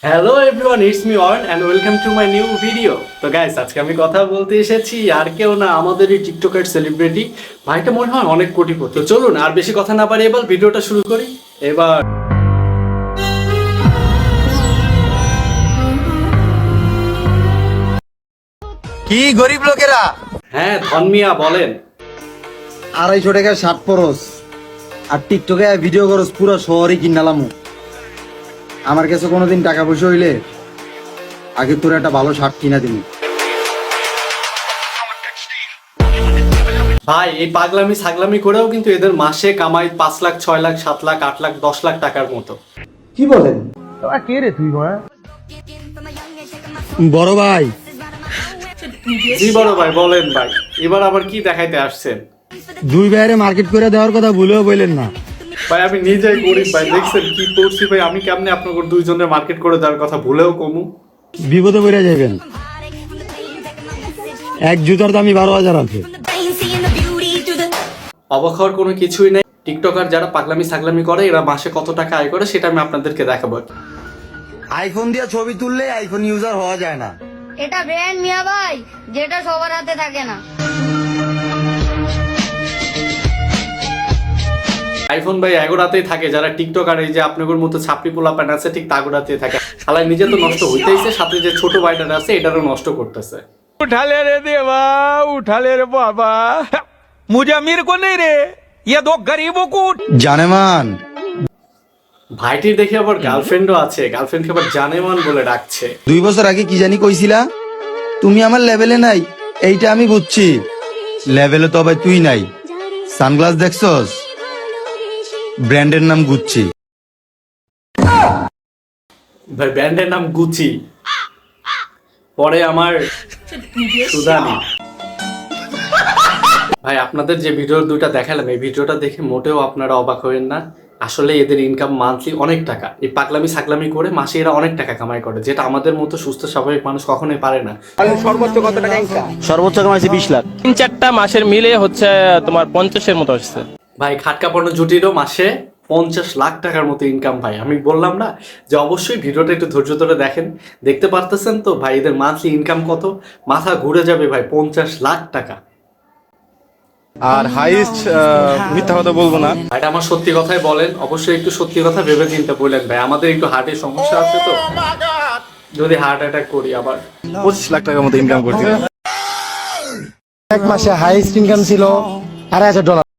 Hello everyone, it's me অর্ন and welcome to my new video. তো guys, আজকে আমি কথা বলতে এসেছি আর কেউ না, আমাদের এই টিকটকের সেলিব্রিটি ভাইটা মনে হয় অনেক কোটিপতি। তো চলুন আর বেশি কথা না পারি, এবার ভিডিওটা শুরু করি। এবার কি গরিব লোকেরা হ্যাঁ, ধনমিয়া বলেন। 250 টাকার শার্ট পরস আর টিকটকে ভিডিও করস, পুরো শহরে কিনালামু। আমার কাছে কোনোদিন টাকা পয়সা হইলে আগে তোর একটা ভালো শার্ট কিনা দিবি। ভাই এই পাগলামি ছাগলামি করেও কিন্তু এদের মাসে কামাই 5 লাখ, 6 লাখ, 7 লাখ, 8 লাখ, 10 লাখ টাকার মতো। কি বলেন বড় ভাই? জি বড় ভাই, বলেন ভাই, এবার আবার কি দেখাইতে আসছেন? দুই ভাইয়ের মার্কেট করে দেওয়ার কথা ভুলেও বললেন না। ভাই আমি নিজেই গরিব ভাই, দেখছেন কি করছি ভাই। আমি কেমনে আপনাদের দুইজনের মার্কেট করে দেওয়ার কথা ভুলেও কমু? বিপদে পড়ে যাবেন। এক জুতার দামই 12,000 আছে। অবাক হওয়ার কোনো কিছুই নাই। টিকটকার যারা পাগলামি ছাগলামি করে এরা মাসে কত টাকা আয় করে সেটা আমি আপনাদেরকে দেখাবো। আইফোন দিয়ে ছবি তুললে আইফোন ইউজার হওয়া যায় না। এটা ব্র্যান্ড মিয়া ভাই, যেটা সবার হাতে থাকে না। আইফোন ভাই এগোড়াতেই থাকে, যারা টিকটকার এই যে আপনাদের মতো ছাপড়ি পোলা প্যান আছে ঠিক তাগোড়াতেই থাকে। শালা নিজে তো নষ্ট হইতেইছে, সাথে যে ছোট ভাইটা আছে এটারও নষ্ট করতেছে। उठा ले रे देवा, उठा ले रे बाबा, मुझे अमीर को नहीं रे, ये दो गरीबों को। জানেমান ভাইটির দেখে আবার গার্লফ্রেন্ডও আছে, গার্লফ্রেন্ডকে আবার জানেমান বলে ডাকছে। 2 বছর আগে কি জানি কইছিলা, তুমি আমার লেভেলে নাই। এইটা আমি বুঝছি, লেভেলে তো ভাই তুই নাই। সানগ্লাস দেখছস? ব্র্যান্ডের নাম গুচ্ছি। ভাই ব্র্যান্ডের নাম গুচি, পরে আমার সুদানি। ভাই আপনাদের যে ভিডিও দুইটা দেখালাম, এই ভিডিওটা দেখে মোটেও আপনারা অবাক হবেন না। আসলে এদের ইনকাম মান্থলি অনেক টাকা। এই পাগলামি ছাগলামি করে মাসে এরা অনেক টাকা কামাই করে, যেটা আমাদের মতো সুস্থ স্বাভাবিক মানুষ কখনোই পারে না। সর্বোচ্চ কামাইছে 20 লাখ। 3-4টা মাসের মিলে হচ্ছে তোমার 50-এর মতো আসছে। ভাই খাটকা পণ্য জুটিরও মাসে 50 লাখ টাকার মতো ইনকাম। ভাই আমি বললাম না যে অবশ্যই ভিডিওটা একটু ধৈর্য ধরে দেখেন। দেখতে পারতেছেন তো ভাই এদের মান্থলি ইনকাম কত? মাথা ঘুরে যাবে ভাই, 50 লাখ টাকা। আর হাইস্ট মিথ্যা কথা বলবো না, ভাইটা আমার সত্যি কথাই বলেন, অবশ্যই একটু সত্যি কথা ভেবে চিন্তা বললেন ভাই। আমাদের একটু হার্টের সমস্যা আছে, তো যদি হার্ট অ্যাটাক করি আবার। 25 লাখ টাকার মতো ইনকাম করতে। এক মাসে হাইস্ট ইনকাম ছিল $2,500।